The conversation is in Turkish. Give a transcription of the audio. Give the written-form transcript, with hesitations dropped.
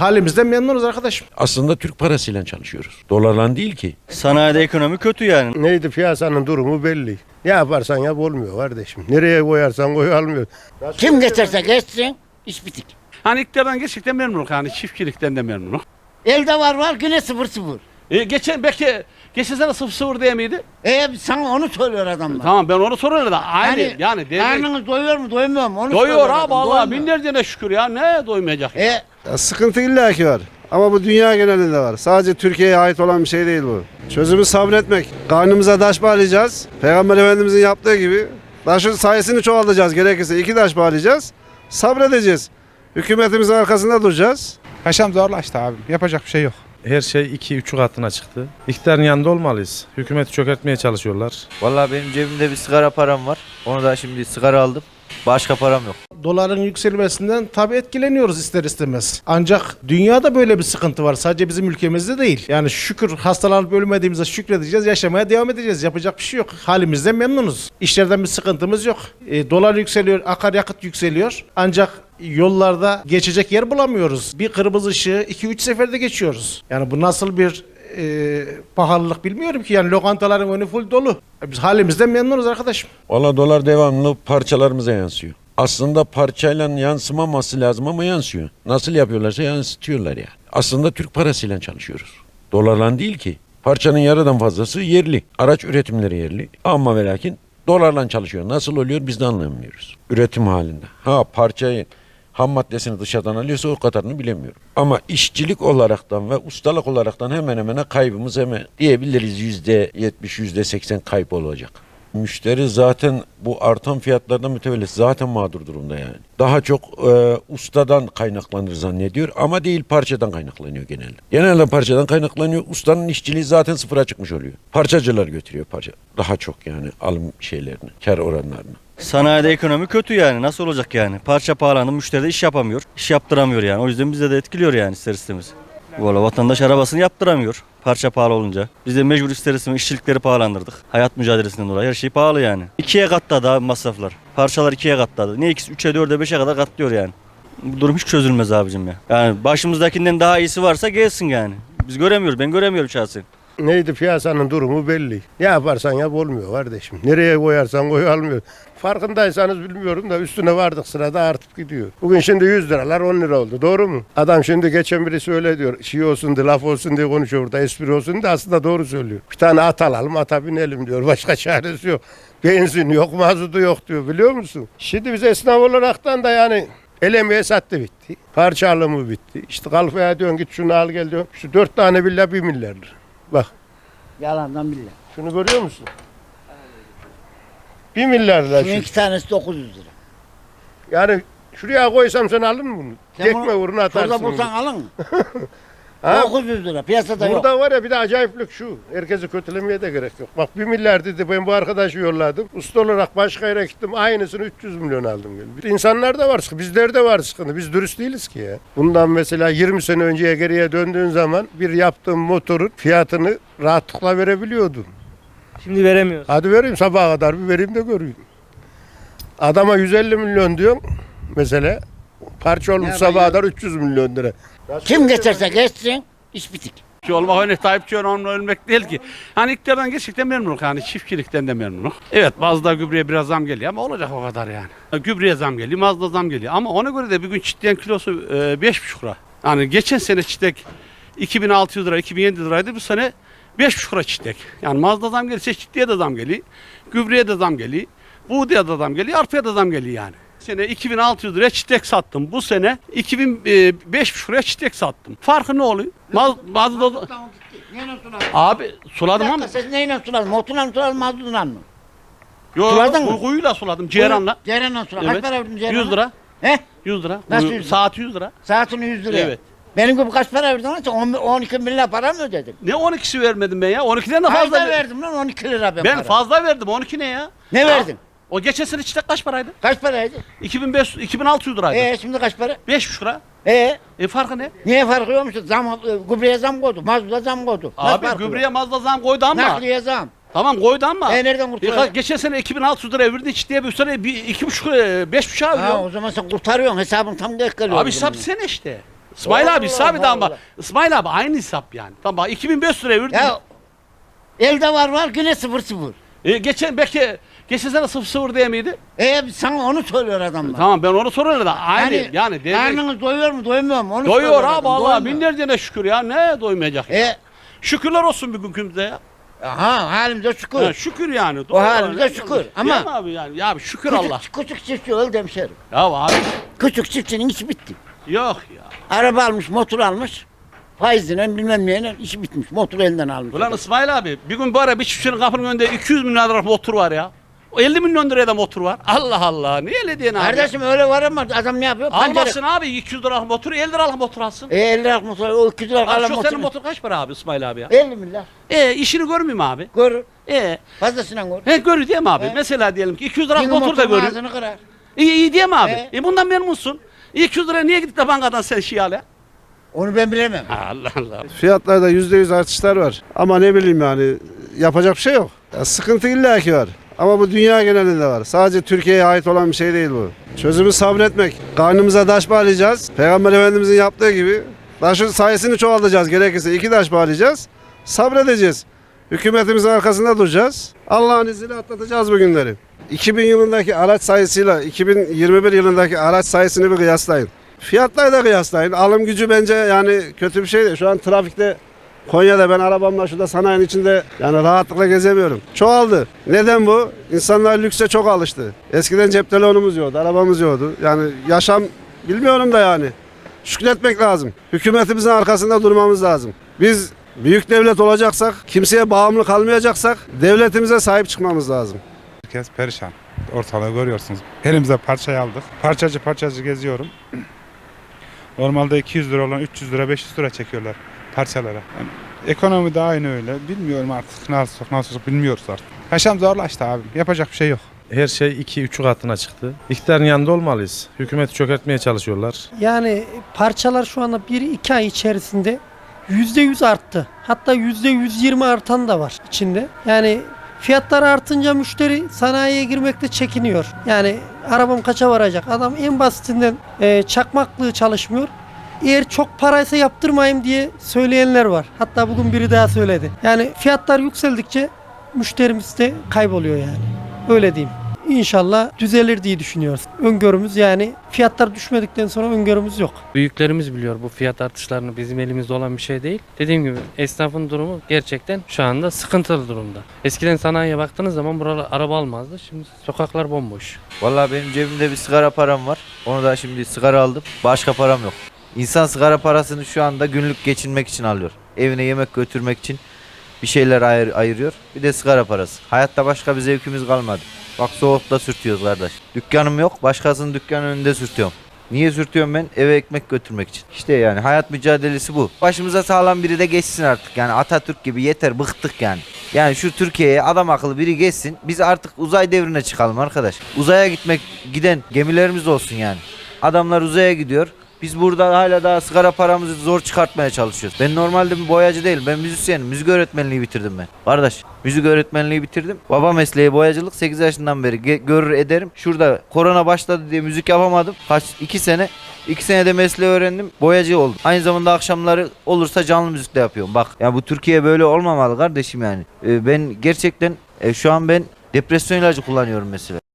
halimizden memnunuz arkadaşım. Aslında Türk parasıyla çalışıyoruz. Dolarla değil ki. Sanayide ekonomi kötü yani. Neydi, piyasanın durumu belli. Ne yaparsan yap olmuyor kardeşim. Nereye koyarsan koy almıyor. Kim geçerse geçsin iş bitik. Hani iktidardan gerçekten memnunum. Hani çiftçilikten de memnunum. Elde var yine 0-0. Geçen sene 0-0 değil miydi? Sana onu söylüyor adamlar. Tamam ben onu soruyorum da aynı yani karnınız doyuyor mu doymuyor mu? Onu doyuyor söylüyor abi adam, Allah doymuyor. binlerce şükür ya ne doymayacak. Ya sıkıntı illaki var. Ama bu dünya genelinde var. Sadece Türkiye'ye ait olan bir şey değil bu. Çözümü sabretmek. Karnımıza taş bağlayacağız. Peygamber Efendimizin yaptığı gibi. Taşın sayısını çoğaltacağız. Gerekirse 2 taş bağlayacağız. Sabredeceğiz. Hükümetimizin arkasında duracağız. Yaşam zorlaştı abi. Yapacak bir şey yok. Her şey 2-3 katına çıktı. İktidarın yanında olmalıyız. Hükümeti çökertmeye çalışıyorlar. Vallahi benim cebimde bir sigara param var. Onu da şimdi sigara aldım. Başka param yok. Doların yükselmesinden tabii etkileniyoruz ister istemez. Ancak dünyada böyle bir sıkıntı var. Sadece bizim ülkemizde değil. Yani şükür hastalanıp ölmediğimize şükredeceğiz. Yaşamaya devam edeceğiz. Yapacak bir şey yok. Halimizden memnunuz. İşlerden bir sıkıntımız yok. Dolar yükseliyor, akaryakıt yükseliyor. Ancak yollarda geçecek yer bulamıyoruz. Bir kırmızı ışığı 2-3 seferde geçiyoruz. Yani bu nasıl bir pahalılık bilmiyorum ki. Yani lokantaların önü full dolu. Biz halimizden memnunuz arkadaşım. Valla dolar devamlı parçalarımıza yansıyor. Aslında parçayla yansımaması lazım ama yansıyor. Nasıl yapıyorlarsa yansıtıyorlar yani. Aslında Türk parasıyla çalışıyoruz. Dolarla değil ki. Parçanın yarıdan fazlası yerli. Araç üretimleri yerli. Ama ve lakin dolarla çalışıyor. Nasıl oluyor biz de anlamıyoruz. Üretim halinde. Parçayı ham maddesini dışarıdan alıyorsa o kadarını bilemiyorum. Ama işçilik olaraktan ve ustalık olaraktan hemen hemen kaybımız hemen diyebiliriz %70, %80 kayıp olacak. Müşteri zaten bu artan fiyatlardan mütevellit zaten mağdur durumda yani. Daha çok ustadan kaynaklanır zannediyor ama değil parçadan kaynaklanıyor genelde. Genelde parçadan kaynaklanıyor. Ustanın işçiliği zaten sıfıra çıkmış oluyor. Parçacılar götürüyor parça. Daha çok yani alım şeylerini, kar oranlarını. Sanayide ekonomi kötü yani. Nasıl olacak yani? Parça pahalandı, müşteri de iş yapamıyor. İş yaptıramıyor yani. O yüzden bize de etkiliyor yani ister istemez. Valla vatandaş arabasını yaptıramıyor. Parça pahalı olunca. Biz de mecbur ister istemez işçilikleri pahalandırdık. Hayat mücadelesinden dolayı her şey pahalı yani. 2'ye katladı abi masraflar. Parçalar 2'ye katladı. Ne ikisi 3'e 4'e 5'e kadar katlıyor yani. Bu durum hiç çözülmez abicim ya. Yani başımızdakinden daha iyisi varsa gelsin yani. Biz göremiyoruz. Ben göremiyorum şahsen. Neydi, piyasanın durumu belli. Ne yaparsan yap olmuyor kardeşim. Nereye koyarsan koy almıyor. Farkındaysanız bilmiyorum da üstüne vardık sırada artıp gidiyor. Bugün şimdi 100 liralar 10 lira oldu. Doğru mu? Adam şimdi geçen birisi öyle diyor. Şey olsun diye, laf olsun diye konuşuyor burada. Espri olsun diye aslında doğru söylüyor. Bir tane at alalım, ata binelim diyor. Başka çaresi yok. Benzin yok, mazotu yok diyor, biliyor musun? Şimdi biz esnaf olaraktan da yani el emeği sattı bitti. Parça alımı bitti. İşte kalfaya diyorsun git şunu al gel diyorsun. Şu 4 tane villa 1 milyar lira. Bak. Yalandan billah. Şunu görüyor musun? 1 milyar lira. Şunun 2 tanesi 900 lira. Yani şuraya koysam sen alır mı bunu? Sen Tekme bunu uğruna atarsın. Şurada bulsan alın mı? Ha? 900 lira piyasada yok. Burada var ya bir de acayiplik şu. Herkesi kötülemeye de gerek yok. Bak 1 milyar dedi, ben bu arkadaşı yolladım. Usta olarak başka yere gittim. Aynısını 300 milyon aldım. İnsanlar da var sıkıntı. Bizlerde var sıkıntı. Biz dürüst değiliz ki ya. Bundan mesela 20 sene önceye geriye döndüğün zaman bir yaptığım motorun fiyatını rahatlıkla verebiliyordum. Şimdi veremiyoruz. Hadi vereyim sabaha kadar bir vereyim de göreyim. Adama 150 milyon diyorum mesela. Parça olmuş sabaha kadar 300 milyon lira. Kim geçerse geçsin iş bitik. Olmak öyle Tayyipçi onunla ölmek değil ki. Hani iktidardan gerçekten memnunum. Hani çiftçilikten de memnunum. Evet bazıda gübreye biraz zam geliyor ama olacak o kadar yani. Gübreye zam geliyor, mazda zam geliyor. Ama ona göre de bir gün çitleğin kilosu 5,5 lira. Yani geçen sene çitlek 2600 lira, 2700 liraydı. Bu sene 5,5 lira çitlek. Yani mazda zam gelirse çitliğe de zam geliyor. Gübreye de zam geliyor. Buğdaya da zam geliyor, arpaya da zam geliyor yani. Sene 2600 liraya çitlek sattım. Bu sene 5,5 liraya çitlek sattım. Farkı ne oluyor? Mazda abi suladım ama. Siz neyle suladın? Motorla mı suladın, mazotla mı? Suladın mı? Kuyuyla suladım, ceyranla. Ceyranla suladın. Kaç para verdin ceyranla? 100 lira. He? 100 lira. Nasıl 100 lira? Saati 100 lira. Saatini 100 lira. Evet. Benim gibi kaç para verdin lan? Sen 12 milyar para mı ödedin? Ne 12'si vermedim ben ya? 12'den de fazla Fazla verdim lan 12 lira ben para. fazla verdim. 12 ne ya? Ne verdin? O geçen sene çitlek kaç paraydı? Kaç paraydı? 2600 liraydı. Şimdi kaç para? 5,5 lira. Farkı ne? Niye farkı yokmuş? Gübreye zam koydu, mazluda zam koydu. Nasıl Abi farkı gübreye yok? mazda zam koydu ama. Nakliye zam. Tamam koydu ama. Nereden kurtulacak? Geçen sene 2600 lira verdi çiftliğe bu sene 2,5 5,5 Ha, alıyor. o zaman sen kurtarıyorsun hesabın tam denk geliyor. Abi hesap sen işte. İsmail abi Allah hesabı da ama Allah. İsmail abi aynı hesap yani. Tamam bak 2500 liraya verdin. Ya elde var yine 0-0. Geçen sene 0-0 diye miydi? Sana onu söylüyor adamlar. Tamam ben onu soruyorum da aynı yani devlet karnınız doyuyor mu doymuyor mu? Onu doyuyor söylüyor abi adam, Allah doymuyor. binlerce şükür ya ne doymayacak ya. Şükürler olsun bugünkümüze ya. Halimize şükür. Ha, şükür yani. O doyuyor. halimize şükür. Ama- Değil mi abi yani ya şükür Allah. Küçük çiftçi öldü hemşerim. Ya abi Küçük çiftçinin işi bitti. yok ya. Araba almış, motor almış. Faizle bilmem neyle işi bitmiş. Motoru elinden almış. Ulan İsmail abi bir gün bu ara bir çiftçinin kapının önünde 200 milyon lira motor var ya. O 50 milyon liraya da motor var. Allah Allah. Niye öyle diyorsun abi? Kardeşim öyle var ama adam ne yapıyor? Almasın abi 200 liralık motoru 50 liralık motor alsın. 50 liralık motor, o 200 liralık Abi alan şu motor. senin motor kaç para abi İsmail abi ya? 50 milyar. İşini görmüyor mu abi? Görür. Fazlasıyla Fazlasıyla görür. Görür değil mi abi? He. Mesela diyelim ki 200 liralık Yine motor da motorun görür. ağzını kırar. İyi değil mi abi? He. Bundan memnunsun. 200 liraya niye gidip de bankadan sen şey al ya? Onu ben bilemem. Allah Allah. Fiyatlarda %100 artışlar var. Ama ne bileyim yani yapacak bir şey yok. Ya sıkıntı illaki var. Ama bu dünya genelinde var. Sadece Türkiye'ye ait olan bir şey değil bu. Çözümü sabretmek. Karnımıza taş bağlayacağız. Peygamber Efendimizin yaptığı gibi taşın sayısını çoğaltacağız. Gerekirse 2 taş bağlayacağız. Sabredeceğiz. Hükümetimizin arkasında duracağız. Allah'ın izniyle atlatacağız bu günleri. 2000 yılındaki araç sayısıyla 2021 yılındaki araç sayısını bir kıyaslayın. Fiyatları da kıyaslayın. Alım gücü bence yani kötü bir şey değil. Şu an trafikte Konya'da ben arabamla şurada sanayinin içinde yani rahatlıkla gezemiyorum. Çoğaldı. Neden bu? İnsanlar lükse çok alıştı. Eskiden cep telefonumuz yoktu, arabamız yoktu. Yani yaşam bilmiyorum da yani. Şükretmek lazım. Hükümetimizin arkasında durmamız lazım. Biz büyük devlet olacaksak, kimseye bağımlı kalmayacaksak devletimize sahip çıkmamız lazım. Herkes perişan. Ortalığı görüyorsunuz. Elimize parçayı aldık. Parçacı parçacı geziyorum. Normalde 200 lira olan 300 lira 500 lira çekiyorlar parçalara. Yani ekonomi de aynı öyle. Bilmiyorum artık nasıl bilmiyoruz artık. Yaşam zorlaştı abi. Yapacak bir şey yok. Her şey 2-3 katına çıktı. İktidarın yanında olmalıyız. Hükümeti çökertmeye çalışıyorlar. Yani parçalar şu anda 1-2 ay içerisinde %100 arttı. Hatta %120 artan da var içinde. Yani fiyatlar artınca müşteri sanayiye girmekte çekiniyor. Yani arabam kaça varacak? Adam en basitinden çakmaklığı çalışmıyor. Eğer çok paraysa yaptırmayayım diye söyleyenler var. Hatta bugün biri daha söyledi. Yani fiyatlar yükseldikçe müşterimiz de kayboluyor yani. Öyle diyeyim. İnşallah düzelir diye düşünüyoruz. Öngörümüz yani fiyatlar düşmedikten sonra öngörümüz yok. Büyüklerimiz biliyor bu fiyat artışlarını, bizim elimizde olan bir şey değil. Dediğim gibi esnafın durumu gerçekten şu anda sıkıntılı durumda. Eskiden sanayiye baktığınız zaman buralar araba almazdı. Şimdi sokaklar bomboş. Vallahi benim cebimde bir sigara param var. Onu da şimdi sigara aldım. Başka param yok. İnsan sigara parasını şu anda günlük geçinmek için alıyor. Evine yemek götürmek için bir şeyler ayırıyor. Bir de sigara parası. Hayatta başka bir zevkimiz kalmadı. Bak soğukta sürtüyoruz kardeş. Dükkanım yok, başkasının dükkanının önünde sürtüyorum. Niye sürtüyorum ben? Eve ekmek götürmek için. İşte yani hayat mücadelesi bu. Başımıza sağlam biri de geçsin artık. Yani Atatürk gibi yeter, bıktık yani. Yani şu Türkiye'ye adam akıllı biri geçsin. Biz artık uzay devrine çıkalım arkadaş. Uzaya giden gemilerimiz olsun yani. Adamlar uzaya gidiyor. Biz burada hala daha sigara paramızı zor çıkartmaya çalışıyoruz. Ben normalde bir boyacı değilim. Ben müzisyenim. Müzik öğretmenliği bitirdim ben. Kardeş müzik öğretmenliği bitirdim. Baba mesleği boyacılık. 8 yaşından beri görür ederim. Şurada korona başladı diye müzik yapamadım. 2 sene. 2 senede mesleği öğrendim. Boyacı oldum. Aynı zamanda akşamları olursa canlı müzik de yapıyorum. Bak ya bu Türkiye böyle olmamalı kardeşim yani. Ben gerçekten şu an ben depresyon ilacı kullanıyorum mesela.